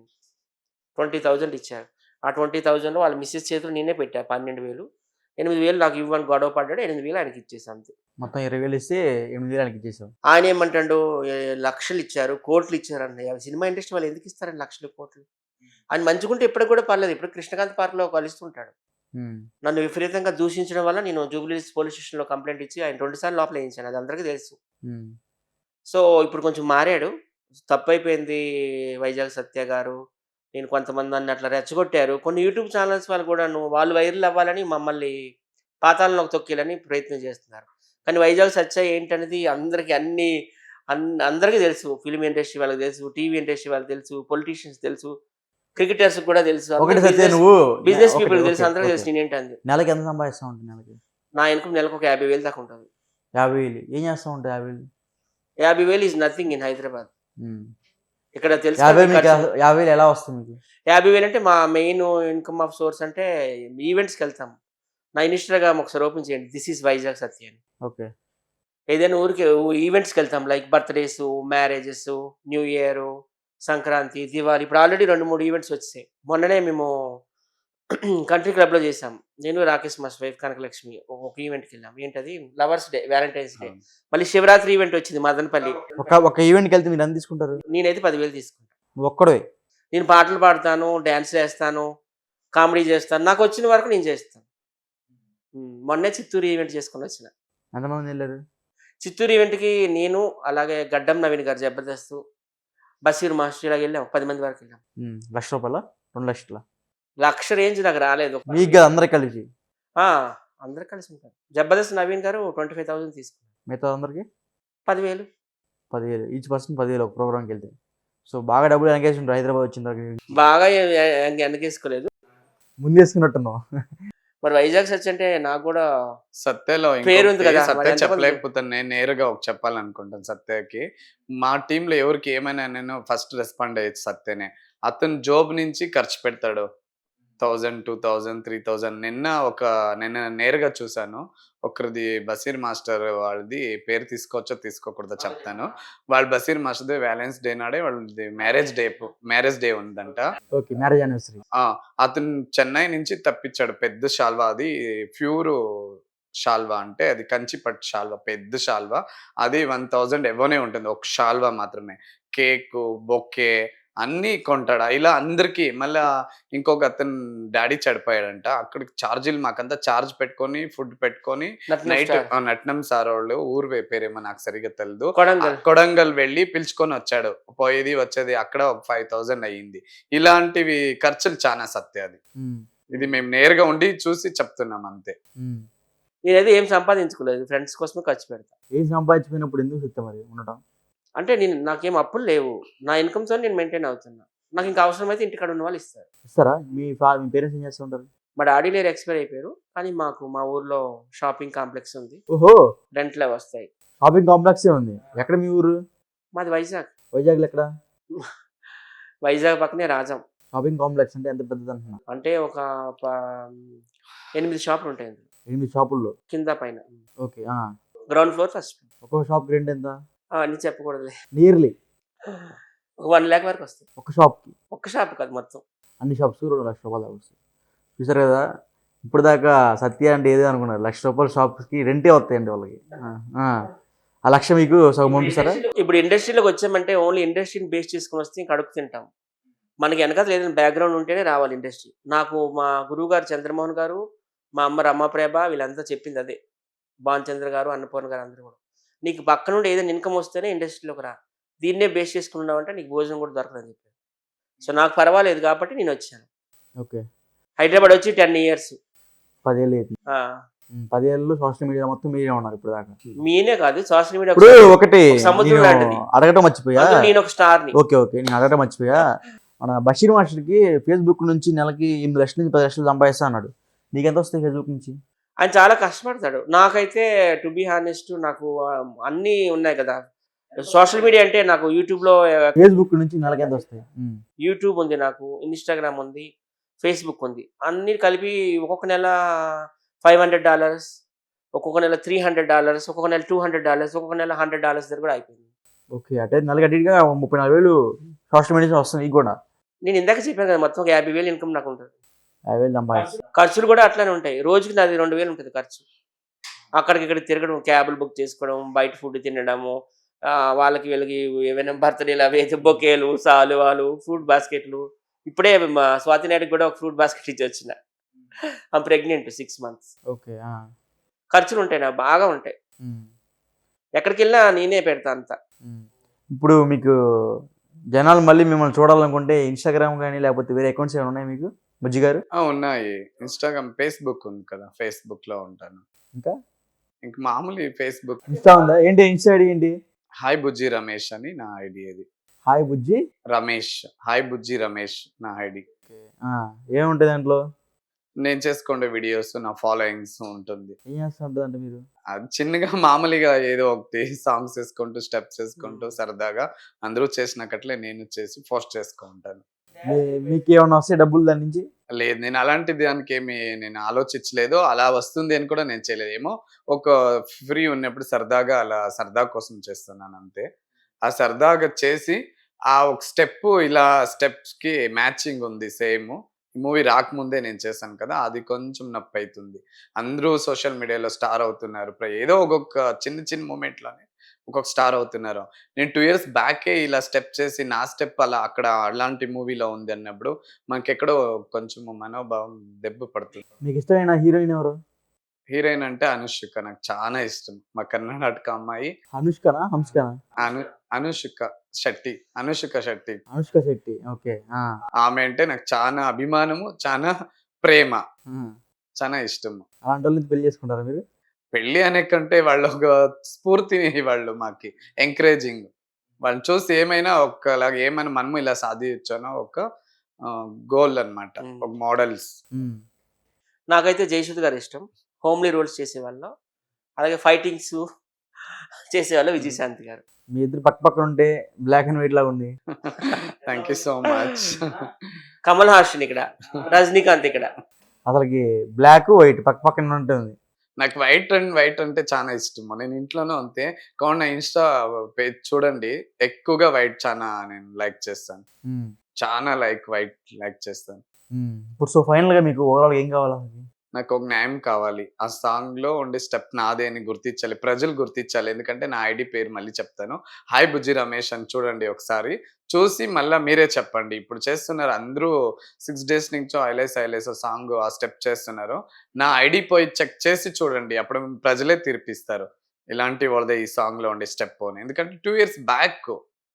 [SPEAKER 3] ఇరవై వేలు ఇచ్చారు. ఆ ఇరవై వేలలో వాళ్ళ మిసెస్ చేతులు నేనే పెట్టా పన్నెండు వేలు. ఎనిమిది వేలు నాకు ఇవ్వని గొడవ పడ్డాడు. ఎనిమిది వేలు ఆయనకి ఇచ్చేసా అంతే.
[SPEAKER 1] మొత్తం ఇరవై వేలు ఇస్తే ఎనిమిది వేలు ఆయనకి ఇచ్చేసావు.
[SPEAKER 3] ఆయన ఏమంటాడు ఏ లక్షలు ఇచ్చారు, కోట్లు ఇచ్చారన్నయ్య. సినిమా ఇండస్ట్రీ వాళ్ళు ఎందుకు ఇస్తారండి లక్షలు, కోట్లు? ఆయన మంచిగుంటే ఇప్పటికి కూడా పర్లేదు. ఇప్పుడు కృష్ణకాంత్ పార్క్‌లో కలుస్తుంటాడు.
[SPEAKER 1] హ్మ్.
[SPEAKER 3] నన్ను విపరీతంగా దూషించడం వల్ల నేను జూబ్లీహిల్స్ పోలీస్ స్టేషన్‌లో కంప్లెయింట్ ఇచ్చి ఆయన రెండు సార్లు లోపల ఏయించాను. అది అందరికీ తెలుసు.
[SPEAKER 1] హ్మ్.
[SPEAKER 3] సో, ఇప్పుడు కొంచెం మారాడు. తప్పైపోయింది వైజాగ్ సత్య గారు. నేను కొంతమంది నన్ను అట్లా రెచ్చగొట్టారు. కొన్ని యూట్యూబ్ ఛానెల్స్ వాళ్ళు కూడాను వాళ్ళు వైరల్ అవ్వాలని మమ్మల్ని పాతాళంలోకి తొక్కేయాలని ప్రయత్నం చేస్తున్నారు. కానీ వైజాగ్ సత్య ఏంటనేది అందరికి అన్ని అన్ అందరికీ తెలుసు. ఫిల్మ్ ఇండస్ట్రీ వాళ్ళకి తెలుసు. టీవీ ఇండస్ట్రీ వాళ్ళకి తెలుసు. పొలిటీషియన్స్ తెలుసు. క్రికెటర్స్‌కి కూడా తెలుసు.
[SPEAKER 1] ఒకటి
[SPEAKER 3] అందరూ
[SPEAKER 1] సత్య
[SPEAKER 3] బిజినెస్
[SPEAKER 1] నువ్వు
[SPEAKER 3] బిజినెస్
[SPEAKER 1] ఒకటి
[SPEAKER 3] పీపుల్‌కి తెలుసు.
[SPEAKER 1] ఓకే.
[SPEAKER 3] అందరికీ
[SPEAKER 1] ఓకే.
[SPEAKER 3] తెలుసు నేనేంటంది.
[SPEAKER 1] నెలకి ఎంత సంపాదిస్తావు ఉంటావు నెలకి?
[SPEAKER 3] నా ఇన్‌కమ్ నెలకు ఒక యాభై వేలు దాకా ఉంటది.
[SPEAKER 1] యాభై వేలు ఏం చేస్తా ఉంటావు యాభై వేలు?
[SPEAKER 3] యాభై వేలు ఈజ్ నథింగ్ ఇన్ హైదరాబాద్.
[SPEAKER 1] హ్మ్.
[SPEAKER 3] ఇక్కడ తెలుసు
[SPEAKER 1] యాభై
[SPEAKER 3] కదా
[SPEAKER 1] వేలు మీకు
[SPEAKER 3] ఖర్చు.
[SPEAKER 1] యాభై వేలు ఎలా వస్తుంది మీకు?
[SPEAKER 3] యాభై వేలు అంటే మా మెయిన్ ఇన్‌కమ్ ఆఫ్ సోర్స్ అంటే ఈవెంట్స్‌కి వెళ్తాం. నా ఇన్‌స్టాగ్రామ్ ఒకసారి ఓపెన్ చేయండి. దిస్ ఈజ్ వైజాగ్ సత్య అని.
[SPEAKER 1] ఓకే.
[SPEAKER 3] ఏదైనా ఊరికి ఈవెంట్స్‌కి వెళ్తాం. Like birthdays, marriages, new year, Sankranti, Diwali ఇప్పుడు ఆల్రెడీ రెండు, మూడు ఈవెంట్స్ వచ్చేసాయి. మొన్ననే మేము కంట్రీ క్లబ్‌లో చేసాం. నేను రాకేష్ మాస్టర్ వైఫ్ కనకలక్ష్మి ఒక ఒక ఈవెంట్‌కి వెళ్ళాం. ఏంటది లవర్స్ డే, వాలంటైన్స్ డే.
[SPEAKER 2] అవును.
[SPEAKER 3] మళ్ళీ శివరాత్రి ఈవెంట్ వచ్చింది మదనపల్లి.
[SPEAKER 1] ఒక ఒక ఈవెంట్‌కి వెళ్తే మీరు ఎంత తీసుకుంటారు?
[SPEAKER 3] నేనైతే పది వేలు తీసుకుంటా.
[SPEAKER 1] నువ్వు ఒక్కడివే.
[SPEAKER 3] నేను పాటలు పాడతాను, డాన్స్ చేస్తాను, కామెడీ చేస్తాను. నాకు వచ్చిన వరకు నేను చేస్తాను. హ్మ్. మొన్నే చిత్తూరు ఈవెంట్ చేసుకొని వచ్చిన.
[SPEAKER 1] ఎంతమంది వెళ్ళారు?
[SPEAKER 3] చిత్తూరు ఈవెంట్‌కి నేను అలాగే గడ్డం నవీన్ గారు జబర్దస్త్, బషీర్ మాస్టర్ ఇలాగ వెళ్ళాం. పది మంది వరకు వెళ్ళాం.
[SPEAKER 1] హ్మ్. లక్ష రూపాయలా? రెండు లక్షలా?
[SPEAKER 3] లక్ష రేంజ్ నాకు రాలేదు.
[SPEAKER 1] మీకు కాదు అందరికి కలిసి.
[SPEAKER 3] ఆ! అందరూ కలిసి ఉంటారు. జబర్దస్త్ నవీన్ గారు ఇరవై ఐదు వేలు తీసుకున్నారు.
[SPEAKER 1] మిగతా అందరికి
[SPEAKER 3] పది వేలు
[SPEAKER 1] పదివేలు ఈచ్ పర్సన్ పదివేలు ఒక ప్రోగ్రామ్కి వెళ్తే. సో బాగా డబ్బులు వెనకేసి ఉంటారు హైదరాబాద్ వచ్చిన తర్వాత.
[SPEAKER 3] బాగా ఎ ఎ వెనకేసుకోలేదు.
[SPEAKER 1] ముందు వేసుకున్నట్టున్నావు.
[SPEAKER 3] మరి వైజాగ్ సచ్ అంటే నాకు కూడా
[SPEAKER 2] సత్యలో
[SPEAKER 3] పేరుంది
[SPEAKER 2] ఇంకొకటి
[SPEAKER 3] కదా! మరి
[SPEAKER 2] సత్య
[SPEAKER 3] ఎంతమంది
[SPEAKER 2] చెప్పలేకపోతాను. నేను నేరుగా ఒక చెప్పాలనుకుంటాను సత్యకి. మా టీంలో ఎవరికి ఏమైనా నేను ఫస్ట్ రెస్పాండ్ అయ్యేది సత్యనే. అతను జాబ్ నుంచి ఖర్చు పెడతాడు. వెయ్యి, రెండు వేలు, మూడు వేలు నిన్న ఒక నేను నేరుగా చూసాను. ఒకరిది బషీర్ మాస్టర్ వాళ్ళది పేరు తీసుకోవచ్చో తీసుకోకూడదో చెప్తాను. వాళ్ళు బషీర్ మాస్టర్‌ది వాలెన్స్ డే నాడే వాళ్ళది మ్యారేజ్ డే మ్యారేజ్ డే ఉందంట.
[SPEAKER 1] ఓకే. Marriage anniversary.
[SPEAKER 2] ఆ! అతను చెన్నై నుంచి తప్పించాడు. పెద్ద శాల్వా అది ప్యూర్ శాల్వా అంటే అది కంచి పట్టు శాల్వా. పెద్ద శాల్వా. అది వెయ్యి ఎబోనే ఉంటుంది. ఒక శాల్వా మాత్రమే. కేకు, బొకే అన్నీ కొంటాడు. ఇలా అందరికి మళ్ళా ఇంకొక అతను డ్యాడీ చనిపోయాడంట. అక్కడికి చార్జీలు మాకంతా చార్జ్ పెట్టుకొని, ఫుడ్ పెట్టుకొని
[SPEAKER 3] నట్నం
[SPEAKER 2] నైట్
[SPEAKER 3] స్టార్.
[SPEAKER 2] ఆ! నట్నం సారోళ్ళు ఊరు వే పేరేమో నాకు సరిగ్గా తెలీదు.
[SPEAKER 3] కొడంగల్.
[SPEAKER 2] కొడంగల్ వెళ్ళి పిలుచుకొనొచ్చాడు. పోయేది, వచ్చేది అక్కడ ఒక ఐదు వేలు అయింది. ఇలాంటివి ఖర్చులు చానా సత్య అది.
[SPEAKER 1] హ్మ్.
[SPEAKER 2] ఇది మేము నేరుగా ఉండి చూసి చెప్తున్నాం అంతే.
[SPEAKER 1] హ్మ్.
[SPEAKER 3] నేనైతే ఏం సంపాదించుకోలేదు. ఫ్రెండ్స్ కోసమే ఖర్చు పెడతా.
[SPEAKER 1] ఏం సంపాదించిపోయినప్పుడు ఎందుకు సత్యం మరి ఉండటం?
[SPEAKER 3] అంటే నేను నాకేం అప్పులు లేవు. నా ఇన్‌కమ్‌తోని నేను మెయింటైన్ అవుతున్నా. నాకు ఇంకా అవసరమైతే ఇంటికాడ ఉన్న వాళ్ళు ఇస్తారు.
[SPEAKER 1] ఇస్తారా? మీ ఫా మీ పేరెంట్స్ ఏం చేస్తూ ఉంటారు?
[SPEAKER 3] మా డాడీ లేరు ఎక్స్‌పైర్ అయిపోయారు. కానీ మాకు మా ఊర్లో షాపింగ్ కాంప్లెక్స్ ఉంది.
[SPEAKER 1] ఓహో!
[SPEAKER 3] రెంట్‌లు అవి వస్తాయి.
[SPEAKER 1] షాపింగ్ కాంప్లెక్సే ఉంది. ఎక్కడ మీ ఊరు?
[SPEAKER 3] మాది వైజాగ్.
[SPEAKER 1] వైజాగ్‌లో ఎక్కడ?
[SPEAKER 3] వైజాగ్ పక్కనే రాజం.
[SPEAKER 1] షాపింగ్ కాంప్లెక్స్ అంటే ఎంత పెద్దది అంటున్నా?
[SPEAKER 3] అంటే ఒక ప ఎనిమిది షాపులు ఉంటాయి అందులో.
[SPEAKER 1] ఎనిమిది షాపుల్లో.
[SPEAKER 3] కింద పైన.
[SPEAKER 1] ఓకే. ఆ!
[SPEAKER 3] Ground floor, first floor.
[SPEAKER 1] ఒక్కో షాప్‌కి రెంట్ ఎంత?
[SPEAKER 3] ఆ! అన్నీ చెప్పకూడదులే.
[SPEAKER 1] నియర్లీ
[SPEAKER 3] ఒక ఒక లక్ష వరకు వస్తాయి.
[SPEAKER 1] ఒక షాప్‌కి.
[SPEAKER 3] ఒక్క షాప్ కాదు మొత్తం.
[SPEAKER 1] అన్ని షాప్స్‌కి రెండు లక్షల రూపాయలు దాకా వస్తాయి. చూసారు కదా! ఇప్పటిదాకా సత్య అంటే ఏదో అనుకున్నారు. లక్ష రూపాయల షాప్స్‌కి రెంటే వస్తాయండి వాళ్ళకి. ఆ! ఆ! ఆ లక్ష మీకు సగం పంపిస్తారా?
[SPEAKER 3] ఇప్పుడు ఇండస్ట్రీలోకి వచ్చామంటే ఓన్లీ ఇండస్ట్రీని బేస్ చేసుకొని వస్తే ఇంక అడుగు తింటాం. మనకి వెనకాల ఏదైనా బ్యాక్‌గ్రౌండ్ ఉంటేనే రావాలి ఇండస్ట్రీ. నాకు మా గురువుగారు చంద్రమోహన్ గారు, మా అమ్మ రమాప్రభ వీళ్ళంతా చెప్పింది అదే. భానుచంద్ర గారు, అన్నపూర్ణ గారు అందరూ కూడా. నీకు పక్క నుండి ఏదైనా ఇన్‌కమ్ వస్తేనే ఇండస్ట్రీలోకి రా. దీన్నే బేస్ చేసుకొని ఉన్నావంటే నీకు భోజనం కూడా దొరకదని చెప్పారు. సో నాకు పర్వాలేదు కాబట్టి నేను వచ్చాను.
[SPEAKER 1] ఓకే.
[SPEAKER 3] హైదరాబాద్ వచ్చి పది ఇయర్స్.
[SPEAKER 1] పది ఏళ్ళు అయితుంది.
[SPEAKER 3] ఆ!
[SPEAKER 1] హ్మ్. పది ఏళ్ళు సోషల్ మీడియా మొత్తం మీరే ఉన్నారు ఇప్పటిదాకా.
[SPEAKER 3] మీనే కాదు సోషల్ మీడియా
[SPEAKER 1] ఇప్పుడు ఒకటి
[SPEAKER 3] ఒక సముద్రం
[SPEAKER 1] నేను
[SPEAKER 3] లాంటిది.
[SPEAKER 1] అడగటం మర్చిపోయా.
[SPEAKER 3] అందులో నేను ఒక స్టార్‌ని.
[SPEAKER 1] ఓకే. ఓకే. నేను అడగటం మర్చిపోయా. మన బషీర్ మాస్టర్‌కి ఫేస్‌బుక్ నుంచి నెలకి ఎనిమిది లక్షల నుంచి పది లక్షలు సంపాదిస్తా అన్నాడు. నీకెంత వస్తాయి ఫేస్‌బుక్ నుంచి?
[SPEAKER 3] ఆయన చాలా కష్టపడతాడు. నాకైతే టు బీ హానెస్ట్ నాకు ఆహ్, అన్నీ ఉన్నాయి కదా! సోషల్ మీడియా అంటే నాకు యూట్యూబ్‌లో
[SPEAKER 1] ఫేస్‌బుక్ నుంచి నెలకి ఎంత వస్తాయి? హ్మ్.
[SPEAKER 3] యూట్యూబ్ ఉంది నాకు, ఇన్‌స్టాగ్రామ్ ఉంది, ఫేస్‌బుక్ ఉంది. అన్నీ కలిపి ఒక్కొక్క నెల ఐదు వందల డాలర్స్, ఒక్కొక్క నెల మూడు వందల డాలర్స్, ఒక్కొక్క నెల రెండు వందల డాలర్స్, ఒక్కొక్క నెల వంద డాలర్స్ దగ్గర కూడా అయిపోయింది.
[SPEAKER 1] ఓకే. అంటే నెలకి అటు ఇటుగా ముప్పై నాలుగు వేలు సోషల్ మీడియా నుంచి వస్తుంది నీకు కూడా.
[SPEAKER 3] నేను ఇందాక చెప్పాను కదా! మొత్తం ఒక యాభై వేలు ఇన్‌కమ్ నాకు ఉంటది.
[SPEAKER 1] యాభై వేలు సంపాదిస్తా.
[SPEAKER 3] ఖర్చులు కూడా అట్లనే ఉంటాయి. రోజుకి నాది రెండు వేలు ఉంటది ఖర్చు. అక్కడికి ఇక్కడికి తిరగడం, క్యాబ్‌లు బుక్ చేసుకోవడం, బయట ఫుడ్ తినడము, ఆహ్, వాళ్ళకి వీళ్ళకి ఏవైనా బర్త్‌డేలు అవి అయితే బొకేలు, సాలువాలు, ఫ్రూట్ బాస్కెట్‌లు. ఇప్పుడే మా స్వాతి నాయుడుకి కూడా ఒక ఫ్రూట్ బాస్కెట్ ఇచ్చొచ్చిన. ఆమె ప్రెగ్నెంట్ ఆరు మంత్స్.
[SPEAKER 1] ఓకే. ఆ!
[SPEAKER 3] ఖర్చులు ఉంటాయి నాకు బాగా ఉంటాయి.
[SPEAKER 1] హ్మ్.
[SPEAKER 3] ఎక్కడికెళ్ళినా నేనే పెడతా అంతా.
[SPEAKER 1] హ్మ్. ఇప్పుడు మీకు జనాలు మళ్ళీ మిమ్మల్ని చూడాలనుకుంటే ఇన్‌స్టాగ్రామ్ గాని లేకపోతే వేరే అకౌంట్స్ ఏమైనా ఉన్నాయా మీకు? బుజ్జి గారు?
[SPEAKER 2] ఆ! ఉన్నాయి. ఇన్‌స్టాగ్రామ్, ఫేస్‌బుక్ ఉంది కదా! ఫేస్‌బుక్‌లో ఉంటాను.
[SPEAKER 1] ఇంకా?
[SPEAKER 2] ఇంక మామూలు ఈ ఫేస్‌బుక్
[SPEAKER 1] ఇన్‌స్టా ఉందా? ఏంటి ఇన్‌స్టా ఐడీ ఏంటి?
[SPEAKER 2] హాయ్ బుజ్జి రమేష్ అని నా ఐడీ అది.
[SPEAKER 1] హాయ్ బుజ్జి.
[SPEAKER 2] రమేష్. హాయ్ బుజ్జి రమేష్ నా ఐడీ.
[SPEAKER 1] ఓకే. ఆ! ఏముంటాయి దాంట్లో?
[SPEAKER 2] నేను చేసుకునే వీడియోస్, నా ఫాలోయింగ్స్ ఉంటుంది.
[SPEAKER 1] ఏం చేస్తా ఉంటారంట మీరు?
[SPEAKER 2] అది చిన్నగా మామూలుగా ఏదో ఒకటి సాంగ్స్ ఏసుకుంటూ, స్టెప్స్ ఏసుకుంటూ సరదాగా అందరూ చేసినక్కట్లే నేను చేసి పోస్ట్ చేస్తూ ఉంటాను.
[SPEAKER 1] మీ మీకేమన్నా వస్తాయా డబ్బులు దాని నుంచి?
[SPEAKER 2] లేదు. నేను అలాంటి దానికేమి నేను ఆలోచించలేదు. అలా వస్తుంది అని కూడా నేను చేయలేదు. ఏమో ఒక ఫ్రీ ఉన్నప్పుడు సరదాగా అలా సరదా కోసం చేస్తున్నానంతే. ఆ సరదాగా చేసి ఆ ఒక స్టెప్పు ఇలా స్టెప్స్‌కి మ్యాచింగ్ ఉంది సేము. మూవీ రాకముందే నేను చేశాను కదా! అది కొంచెం నొప్పైతుంది. అందరూ సోషల్ మీడియాలో స్టార్ అవుతున్నారు. ప్ర ఏదో ఒక్కొక్క చిన్న చిన్న మూమెంట్‌లోనే ఒక్కొక్క స్టార్ అవుతున్నారు. నేను రెండు ఇయర్స్ బ్యాకే ఇలా స్టెప్ చేసి నా స్టెప్ అలా అక్కడ అలాంటి మూవీలో ఉంది అన్నప్పుడు మనకెక్కడో కొంచెం మనోభావం దెబ్బ పడుతుంది.
[SPEAKER 1] మీకు ఇష్టమైన హీరోయిన్ ఎవరు?
[SPEAKER 2] హీరోయిన్ అంటే అనుష్క నాకు చానా ఇష్టం. మా కర్ణాటక అమ్మాయి
[SPEAKER 1] అనుష్కనా? హంస్కనా?
[SPEAKER 2] అను అనుష్క శెట్టి. అనుష్క శెట్టి.
[SPEAKER 1] అనుష్క శెట్టి. ఓకే. ఆ!
[SPEAKER 2] ఆమె అంటే నాకు చానా అభిమానము, చానా ప్రేమ.
[SPEAKER 1] హ్మ్.
[SPEAKER 2] చానా ఇష్టము.
[SPEAKER 1] అలాంటోళ్ళని పెళ్లి చేసుకుంటారా మీరు?
[SPEAKER 2] పెళ్లి అనే కంటే వాళ్ళు ఒక స్ఫూర్తిని వాళ్ళు మాకి ఎంకరేజింగ్. వాళ్ళని చూసి ఏమైనా ఒకలాగా ఏమైనా మనము ఇలా సాధించనో ఒక ఆహ్, గోల్ అన్నమాట.
[SPEAKER 3] హ్మ్.
[SPEAKER 2] ఒక మోడల్స్.
[SPEAKER 1] హ్మ్.
[SPEAKER 3] నాకైతే జయసుధ గారు ఇష్టం. హోమ్లీ రోల్స్ చేసేవాళ్ళు. అలాగే ఫైటింగ్స్ చేసేవాళ్ళు విజయశాంతి గారు.
[SPEAKER 1] మీ ఇద్దరు పక్క పక్కన ఉంటే బ్లాక్ అండ్ వైట్ లాగా ఉంది.
[SPEAKER 2] Thank you so much.
[SPEAKER 3] Kamal Haasan ఇక్కడ, రజనీకాంత్ ఇక్కడ.
[SPEAKER 1] అసలకి బ్లాక్, వైట్ పక్క పక్కన ఉంటుంది.
[SPEAKER 2] నాకు వైట్ అండ్ వైట్ అంటే చాలా ఇష్టము. నేను ఇంట్లోనూ అంతే. కావున నా ఇన్‌స్టా పేజ్ చూడండి. ఎక్కువగా వైట్ చానా నేను లైక్ చేస్తాను.
[SPEAKER 1] హ్మ్.
[SPEAKER 2] చానా లైక్ వైట్ లైక్ చేస్తాను.
[SPEAKER 1] హ్మ్. ఇప్పుడు సో ఫైనల్‌గా మీకు ఓవరాల్‌గా ఏం కావాలి అసలకి?
[SPEAKER 2] నాకు ఒక న్యాయం కావాలి. ఆ సాంగ్‌లో ఉండే స్టెప్ నాదే అని గుర్తించాలి. ప్రజలు గుర్తించాలి. ఎందుకంటే నా ఐడీ పేరు మళ్ళీ చెప్తాను. హాయ్ బుజ్జి రమేష్ అని చూడండి ఒకసారి. చూసి మళ్ళా మీరే చెప్పండి. ఇప్పుడు చేస్తున్నారు అందరూ ఆరు డేస్ నుంచో ఐలేస్ ఐలేస్ సాంగ్ ఆ స్టెప్ చేస్తున్నారు. నా ఐడీ పోయి చెక్ చేసి చూడండి. అప్పుడు ప్రజలే తీర్పిస్తారు. ఇలాంటి వాళ్ళదే ఈ సాంగ్‌లో ఉండే స్టెప్ అని. ఎందుకంటే రెండు ఇయర్స్ బ్యాక్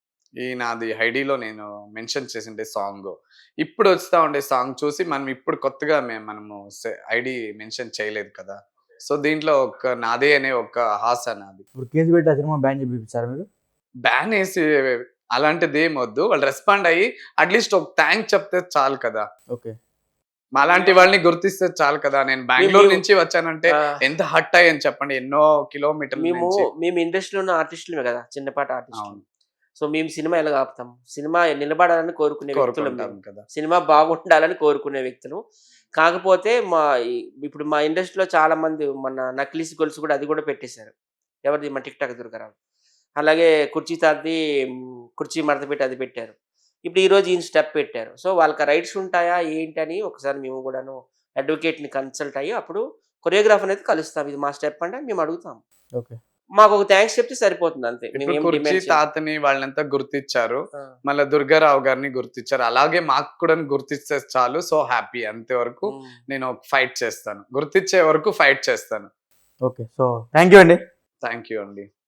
[SPEAKER 2] ఈ నాది ఐడీలో నేను మెన్షన్ చేసిండే సాంగు. ఇప్పుడు వస్తా ఉండే సాంగ్ చూసి మనం ఇప్పుడు కొత్తగా మేము మనము సె ఐడీ మెన్షన్ చేయలేదు కదా! సో, దీంట్లో ఒక నాదే అనే ఒక హాస నాది.
[SPEAKER 1] ఇప్పుడు కేసు పెట్టి ఆ సినిమా బ్యాన్ చేపిచ్చారా మీరు?
[SPEAKER 2] బ్యాన్ ఏసి అలాంటిదేమొద్దు. వాళ్ళు రెస్పాండ్ అయ్యి అట్‌లీస్ట్ ఒక థాంక్స్ చెప్తే చాలు కదా!
[SPEAKER 1] ఓకే.
[SPEAKER 2] మాలాంటి వాళ్ళని గుర్తిస్తే చాలు కదా! నేను బెంగుళూరు
[SPEAKER 3] మేము
[SPEAKER 2] నుంచి వచ్చానంటే
[SPEAKER 3] ఆ!
[SPEAKER 2] ఎంత హర్ట్ అయ్యాను చెప్పండి. ఎన్నో కిలోమీటర్ల
[SPEAKER 3] మేము
[SPEAKER 2] నుంచి.
[SPEAKER 3] మేము ఇండస్ట్రీలో ఉన్న ఆర్టిస్టులమే కదా! చిన్నపాటి ఆర్టిస్టులు.
[SPEAKER 2] అవును.
[SPEAKER 3] సో, మేము సినిమా ఎలాగ ఆపుతాం? సినిమా నిలబడాలని కోరుకునే వ్యక్తులం
[SPEAKER 2] కోరుకుంటాం
[SPEAKER 3] మేము.
[SPEAKER 2] కదా!
[SPEAKER 3] సినిమా బాగుండాలని కోరుకునే వ్యక్తులు. కాకపోతే మా ఈ ఇప్పుడు మా ఇండస్ట్రీలో చాలామంది మన నక్లీస్ గొలుసు కూడా అది కూడా పెట్టేశారు. ఎవరిది? మన టిక్ టాక్ దుర్గారావు. అలాగే కుర్చీ తాతది హ్మ్, కుర్చీ మడత పెట్టి అది పెట్టారు. ఇప్పుడు ఈరోజు ఈయన స్టెప్ పెట్టారు. సో, వాళ్ళకి రైట్స్ ఉంటాయా ఏంటని ఒకసారి మేము కూడాను అడ్వకేట్‌ని కన్సల్ట్ అయ్యి అప్పుడు కొరియోగ్రాఫర్‌ని అయితే కలుస్తాం. ఇది మా స్టెప్ అంటే మేము అడుగుతాం.
[SPEAKER 1] ఓకే.
[SPEAKER 3] మాకొక థాంక్స్ చెప్తే సరిపోతుంది అంతే.
[SPEAKER 2] ఇప్పుడు
[SPEAKER 3] మేమేం
[SPEAKER 2] కుర్చీ
[SPEAKER 3] డిమాండ్ చేయం.
[SPEAKER 2] తాతని వాళ్ళనంతా గుర్తిచ్చారు.
[SPEAKER 3] ఆ!
[SPEAKER 2] మళ్ళా దుర్గారావు గారిని గుర్తిచ్చారు. అలాగే మాకు కూడా గుర్తిస్తే చాలు. సో హ్యాపీ అంతవరకు
[SPEAKER 3] హ్మ్.
[SPEAKER 2] నేను ఫైట్ చేస్తాను. గుర్తిచ్చే వరకు ఫైట్ చేస్తాను.
[SPEAKER 1] ఓకే. సో థాంక్ యూ అండి.
[SPEAKER 2] థాంక్ యూ అండి.